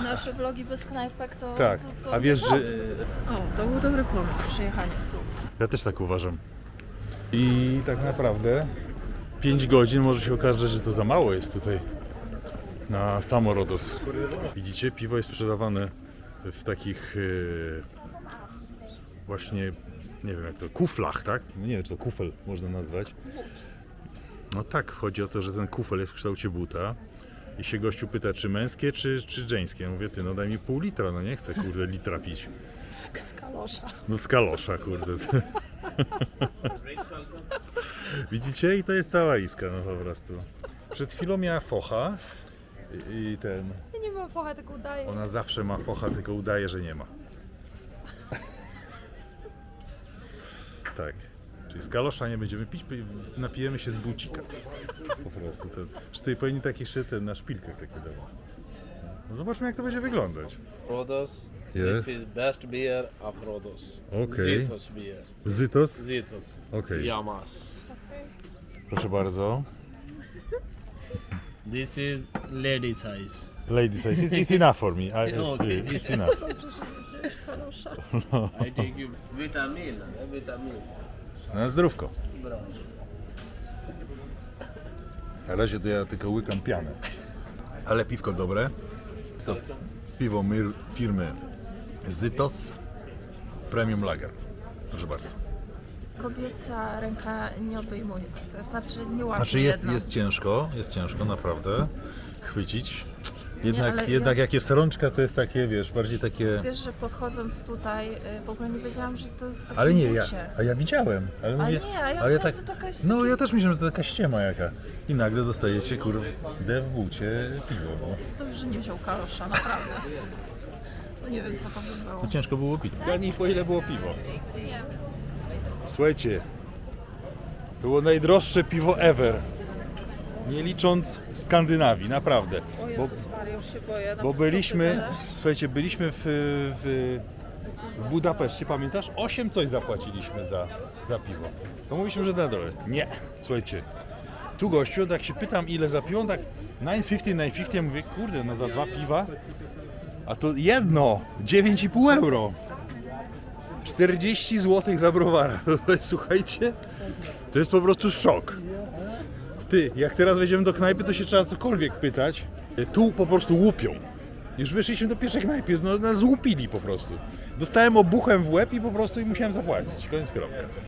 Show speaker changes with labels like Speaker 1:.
Speaker 1: Nasze vlogi bez knajpek to...
Speaker 2: Tak,
Speaker 1: to
Speaker 2: a wiesz, że...
Speaker 1: O, to był dobry pomysł, przyjechanie tu.
Speaker 2: Ja też tak uważam. I tak naprawdę 5 godzin może się okazać, że to za mało jest tutaj na samo Rodos. Widzicie, piwo jest sprzedawane w takich właśnie, nie wiem jak to, kuflach, tak? Nie wiem, czy to kufel można nazwać. No tak, chodzi o to, że ten kufel jest w kształcie buta i się gościu pyta, czy męskie, czy żeńskie. Ja mówię, ty, no daj mi pół litra, no nie chcę, kurde, litra pić.
Speaker 1: Jak z kalosza.
Speaker 2: No z kalosza, kurde. Widzicie? I to jest cała iska, no po prostu. Przed chwilą miała focha i ten...
Speaker 1: Ja nie mam focha, tylko udaję.
Speaker 2: Ona zawsze ma focha, tylko udaje, że nie ma. Tak. Czyli z kalosza nie będziemy pić, napijemy się z bucika. Po prostu. Że tutaj powinni taki jeszcze ten na szpilkach takie dawać. No zobaczmy, jak to będzie wyglądać.
Speaker 3: Rodos.
Speaker 2: Yes.
Speaker 3: This is best beer of Rodos.
Speaker 2: Okay.
Speaker 3: Zitos beer.
Speaker 2: Zytos?
Speaker 3: Zitos.
Speaker 2: Okay.
Speaker 3: Yamas.
Speaker 2: Proszę bardzo.
Speaker 3: This is lady size.
Speaker 2: Lady size. It's enough for me.
Speaker 3: Okay.
Speaker 2: It's enough.
Speaker 1: Kalosza.
Speaker 3: I take you vitamin. Vitamin.
Speaker 2: Na zdrówko.
Speaker 3: Bravo.
Speaker 2: Na razie to ja tylko łykam pianę. Ale piwko dobre. To piwo firmy Zytos Premium Lager. Proszę bardzo.
Speaker 1: Kobieca ręka nie obejmuje. To znaczy nie łapie
Speaker 2: Znaczy
Speaker 1: jedną.
Speaker 2: jest ciężko naprawdę chwycić.
Speaker 1: ale
Speaker 2: Jednak
Speaker 1: ja-
Speaker 2: jak jest rączka, to jest takie, wiesz, bardziej takie...
Speaker 1: Wiesz, że podchodząc tutaj, w ogóle nie wiedziałam, że to jest takie
Speaker 2: Ale nie,
Speaker 1: bucie.
Speaker 2: ja widziałem. Ale
Speaker 1: A
Speaker 2: mówię,
Speaker 1: nie, a ja
Speaker 2: ale
Speaker 1: myślałam, że to jakaś
Speaker 2: No
Speaker 1: taki-
Speaker 2: ja też myślałem, że to taka ściema jaka. I nagle dostajecie, kurde, w bucie piwo. No.
Speaker 1: Dobrze, że nie wziął kalosza, naprawdę. No nie wiem, co to by było.
Speaker 2: To ciężko było pić. Zgadnij, po ile było piwo. Słuchajcie, było najdroższe piwo ever. Nie licząc Skandynawii, naprawdę.
Speaker 1: O Jezus Maria, już się boję.
Speaker 2: Bo byliśmy, słuchajcie, byliśmy w Budapeszcie, pamiętasz? 8 coś zapłaciliśmy za piwo. To mówiliśmy, że na dole. Nie, słuchajcie. Tu gościu, tak się pytam, ile za piwo, on tak 9,50, ja mówię, kurde, no za 2 piwa. A to jedno, 9,5 euro. 40 zł za browara. Słuchajcie, to jest po prostu szok. Ty, jak teraz wejdziemy do knajpy, to się trzeba cokolwiek pytać. Tu po prostu łupią. Już wyszliśmy do pierwszej knajpy, no nas łupili po prostu. Dostałem obuchem w łeb i po prostu musiałem zapłacić. Koniec kropka.